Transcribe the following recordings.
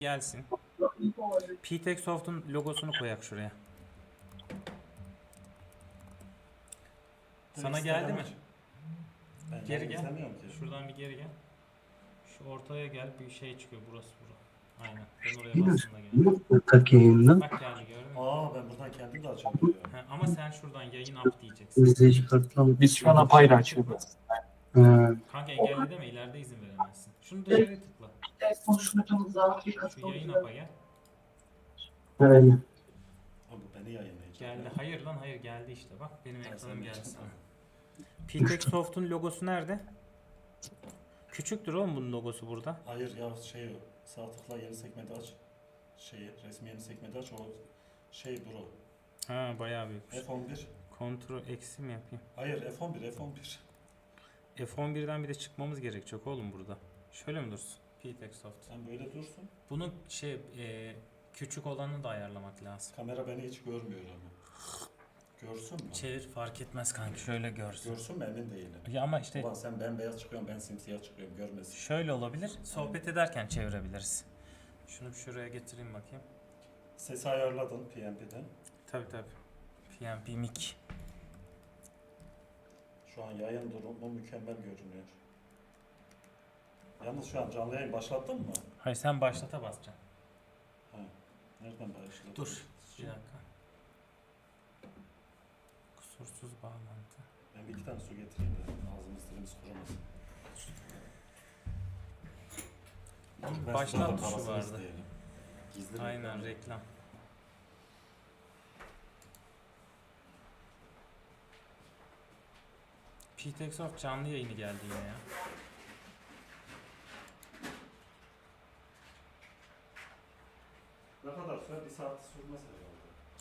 gelsin. PTEC Soft'un logosunu koyak şuraya. Sana geldi mi? Ben Geri gel. izlemiyorum ki. Şuradan bir geri gel. Şu ortaya gel. Bir şey çıkıyor. Burası bura. Aynen. Ben oraya bastım da geldi. Tak yayından. Bak geldi gördün mü? Ben buradan kendim de açabiliyorum. Ama sen şuradan yayın up diyeceksin. İzleyici kartlan. Biz şu an apayrı açıyoruz. Kanka engelle deme, ileride izin veremezsin. Şunu dışarıya tıkla. Şu yayın up'a gel. Aynen. Abi beni yayınlayacak. Geldi. Hayır lan hayır geldi işte. Bak benim ekranım geldi sana. PTEC Soft'un logosu nerede? Küçüktür oğlum bunun logosu burada. Hayır ya sağ tıkla yeni sekmede aç. Resmi yeni sekmede aç o bro. Ha bayağı büyük. F11. Kontrol eksi mi yapayım? Hayır F11. F11'den bir de çıkmamız gerekecek oğlum burada. Şöyle mi dursun? PTEC Soft. Sen böyle dursun. Bunun küçük olanını da ayarlamak lazım. Kamera beni hiç görmüyor ama. Görsün mü? Çevir fark etmez kanka, şöyle görsün. Görsün mü emin değilim. Ya ama işte Ulan sen bembeyaz çıkıyorsun ben simsiyah çıkıyorum görmesin. şöyle olabilir. Sohbet ederken çevirebiliriz. Şunu bir şuraya getireyim bakayım. Sesi ayarladın PNP'den. Tabi. PNP mic. Şu an yayın durumu mükemmel görünüyor. Yalnız şu an canlı yayın başlattın mı? Hayır sen başlata basacaksın. Nereden başladın? Dur. Bir dakika. Kusursuz bağlantı. Ben bir iki tane su getireyim de ağzımız dilimiz kurumasın. Başlat tuşu vardı. Gizli Aynen reklam. reklam. PTEC Soft canlı yayını geldi yine ya. Ne kadar süre? Bir saat sürmez herhalde.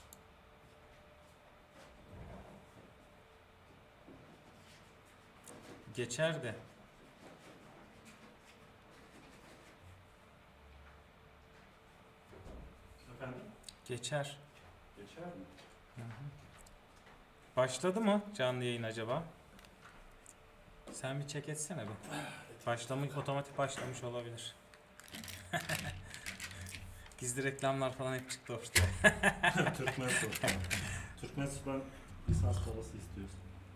Geçer de. Efendim? Geçer. Geçer mi? Başladı mı canlı yayın acaba? Sen bir check etsene bir. Otomatik başlamış olabilir. Gizli reklamlar falan hep çıktı ortaya. Türkmen Sultan. Türkmen Sultan lisans parası istiyorsun.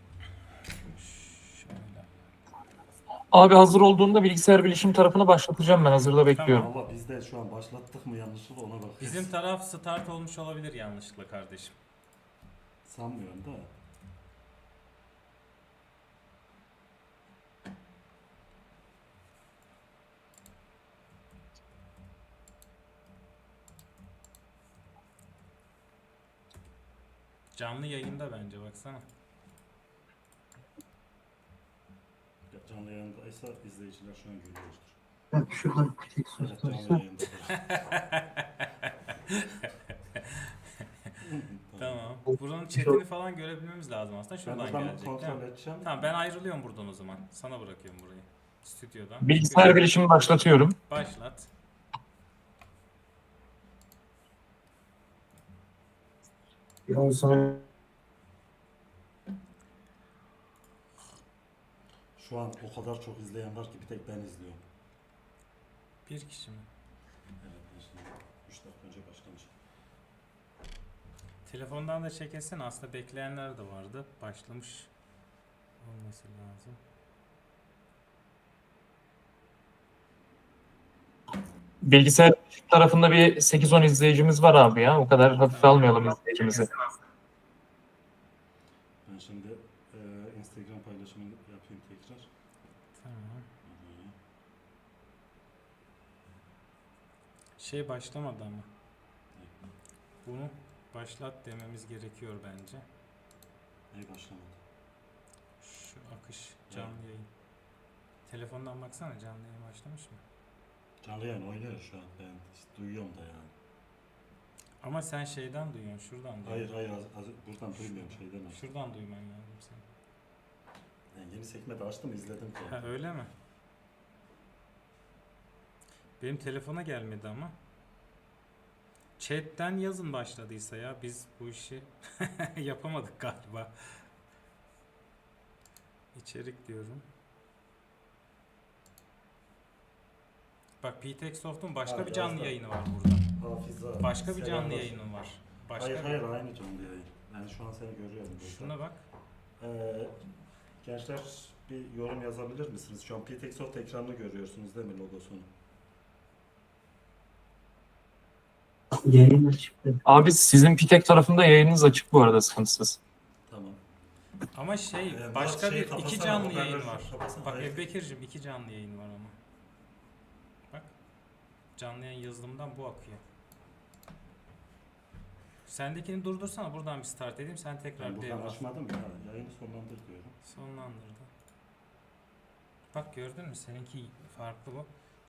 Şöyle. Abi hazır olduğunda bilgisayar bilişim tarafını başlatacağım ben. Hazırda bekliyorum. Ama biz de şu an başlattık mı yanlışlıkla ona bakıyoruz. Bizim taraf start olmuş olabilir yanlışlıkla kardeşim. Sanmıyorum da. Canlı yayında bence baksana. Canlı yayındaysa izleyiciler şu an görüyordur. Bak şuradan tek Evet sos canlı varsa. yayındadır. Tamam. Buranın chatini falan görebilmemiz lazım aslında. Ben Şuradan buradan gelecek değil kontrol mi? edeceğim. Tamam ben ayrılıyorum buradan o zaman. Sana bırakıyorum burayı. Stüdyodan. Bilgisayar bilişimi başlatıyorum. Başlat. Ondan sonra Şu an o kadar çok izleyen var ki bir tek ben izliyorum. Bir kişi mi? Evet ben şimdi 3 dakika önce başlamış. Telefondan da çekilsin. Aslında bekleyenler de vardı. Başlamış olması lazım. Bilgisayar bilişim tarafında bir 8-10 izleyicimiz var abi ya. O kadar hafife almayalım izleyicimizi. Ben şimdi Instagram paylaşımını yapayım tekrar. Tamam. Şey başlamadı ama. Bunu başlat dememiz gerekiyor bence. Neyi başlamadı? Şu akış canlı yayın. Telefondan baksana canlı yayın başlamış mı? Canlı yayın oynuyor şu an ben işte duyuyorum da yani. Ama sen şeyden duyuyorsun, şuradan duyuyorsun. Hayır buradan duymuyorum şeyden açtım. Şuradan duyman lazım senin. Yani yeni sekmede açtım izledim ki. Ha öyle mi? Benim telefona gelmedi ama. Chat'ten yazın başladıysa ya biz bu işi yapamadık galiba. İçerik diyorum. Bak PTX Soft'un başka Ha, bir canlı yazdım. yayını var burada. Hafiza. Başka bir canlı selamlar. yayının var. Başka Hayır bir- hayır aynı canlı yayın. Yani şu an seni görüyorum burada. Şuna bak. Gençler bir yorum yazabilir misiniz? Şu an PTX Soft ekranını görüyorsunuz değil mi logosunu? yayın açıktı. Abi sizin Pitek tarafında yayınınız açık bu arada, sıkıntısız. Tamam. Ama şey Murat, başka şeyi bir iki kapatsana, canlı hoparlörü yayın var. kapatsana. Bak Hayır. Ebubekir'cim 2 canlı yayın var ama. Bak. Canlı yayın yazılımından bu akıyor. Sendekini durdursana, buradan bir start edeyim, sen tekrar Ben buradan devre al. açmadım ya. Yayını sonlandır diyorum. Sonlandırdı. Bak gördün mü, seninki farklı bu.